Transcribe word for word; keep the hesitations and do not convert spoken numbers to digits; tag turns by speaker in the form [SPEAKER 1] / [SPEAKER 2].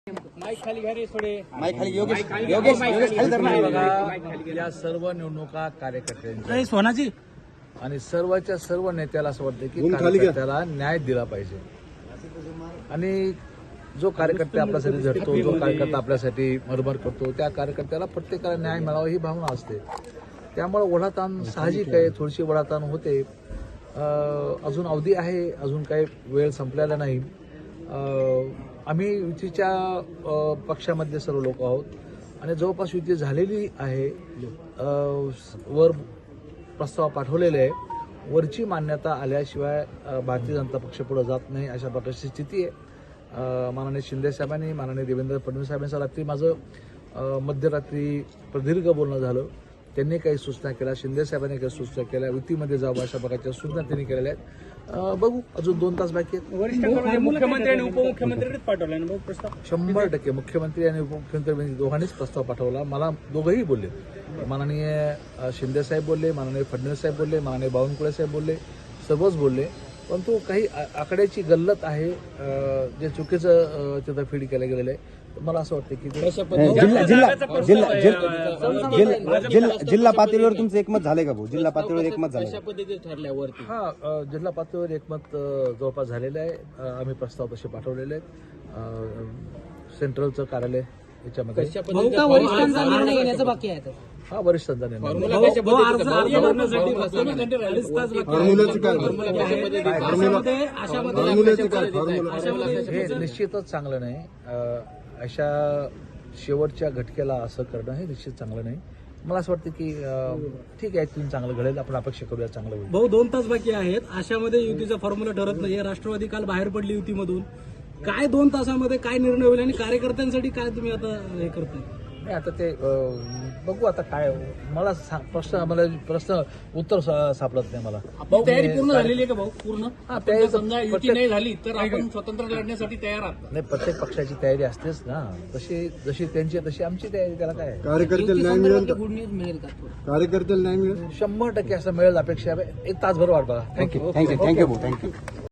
[SPEAKER 1] Mic खाली घ्या रे थोडे.
[SPEAKER 2] माईक खाली योगेश योगेश योगेश खाली धर ना.
[SPEAKER 3] बघा, या सर्व निवडणुका कार्यकर्त्यांच्या
[SPEAKER 1] सोनाजी
[SPEAKER 3] आणि सर्वच्या सर्व नेत्याला असं वाटतं की कार्यकर्त्याला न्याय दिला पाहिजे. आणि जो कार्यकर्ता आपल्यासाठी झटतो, जो कार्यकर्ता आपल्यासाठी मरमर करतो, त्या कार्यकर्त्याला प्रत्येकाला न्याय मिळावा ही भावना असते. त्यामुळे ओढाताण साहजिक आहे, थोडीशी ओढाताण होते. अजून अवधी आहे, अजून काही वेळ संपलेला नाही. आम्ही युतीच्या पक्षामध्ये सर्व लोक आहोत आणि जवळपास युती झालेली आहे. वर प्रस्ताव पाठवलेले आहे. वरची मान्यता आल्याशिवाय भारतीय जनता पक्ष पुढे जात नाही, अशा प्रकारची स्थिती आहे. माननीय शिंदे साहेबांनी, माननीय देवेंद्र फडणवीस साहेबांचं रात्री माझं मध्यरात्री प्रदीर्घ बोलणं झालं. त्यांनी काही सूचना केल्या, शिंदे साहेबांनी काही सूचना केल्या, युतीमध्ये जावं अशा प्रकारच्या सूचना त्यांनी केलेल्या आहेत. बघू, अजून दोन तास बाकी आहेत.
[SPEAKER 1] मुख्यमंत्री आणि उपमुख्यमंत्र्यांनीच पाठवला ना प्रस्ताव.
[SPEAKER 3] शंभर टक्के मुख्यमंत्री आणि उपमुख्यमंत्री दोघांनीच प्रस्ताव पाठवला. मला दोघंही बोलले, माननीय शिंदे साहेब बोलले, माननीय फडणवीस साहेब बोलले, माननीय बावनकुळे साहेब बोलले, सर्वच बोलले. परंतु काही आकड्याची गल्लत आहे, जे चुकीचं तिथं फीड केलं गेलेलं आहे. मला असं वाटतं की
[SPEAKER 2] जिल्हा जिल्हा जिल्हा जिल्हा जिल्हा पातळीवर तुमचं एकमत झालंय का भाऊ? जिल्हा पातळीवर एकमत झालंय
[SPEAKER 1] ठरल्यावरती
[SPEAKER 3] हा, जिल्हा पातळीवर एकमत जवळपास झालेलं आहे. आम्ही प्रस्ताव तसे पाठवलेले आहेत. सेंट्रलचं कार्यालय याच्यामध्ये
[SPEAKER 4] वरिष्ठांचा निर्णय घेण्याचं बाकी आहे.
[SPEAKER 3] हा, वरिष्ठांचा निर्णय. हे निश्चितच चांगलं नाही. अशा शेवटच्या घटकेला असं करणं हे निश्चित चांगलं नाही. मला असं वाटतं की ठीक आहे, इथून चांगलं घडेल, आपण अपेक्षा करूया चांगलं होईल.
[SPEAKER 4] भाऊ, दोन तास बाकी आहेत. अशामध्ये युतीचा फॉर्म्युला ठरत नाहीये. राष्ट्रवादी काल बाहेर पडली युतीमधून. काय दोन तासामध्ये काय निर्णय होईल आणि कार्यकर्त्यांसाठी काय तुम्ही आता हे करताय?
[SPEAKER 3] नाही, आता ते बघू आता काय. मला प्रश्न मला प्रश्न उत्तर सापडत नाही मला.
[SPEAKER 1] तयारी पूर्ण झालेली आहे का भाऊ? पूर्ण
[SPEAKER 3] हा, तयारी
[SPEAKER 1] समजा युती नाही झाली तर आपण स्वतंत्र लढण्यासाठी तयार आहात?
[SPEAKER 3] नाही, प्रत्येक पक्षाची तयारी असतेच ना. तशी जशी त्यांची तशी आमची तयारी. त्याला काय
[SPEAKER 2] कार्यकर्त्याला न्याय मिळेल,
[SPEAKER 4] गुड न्यूज मिळेल का?
[SPEAKER 2] कार्यकर्त्याला न्याय मिळेल.
[SPEAKER 3] शंभर टक्के असं मिळेल अपेक्षा आहे. एक तासभर वाट बघा. थँक्यू
[SPEAKER 2] थँक्यू थँक्यू भाऊ थँक्यू.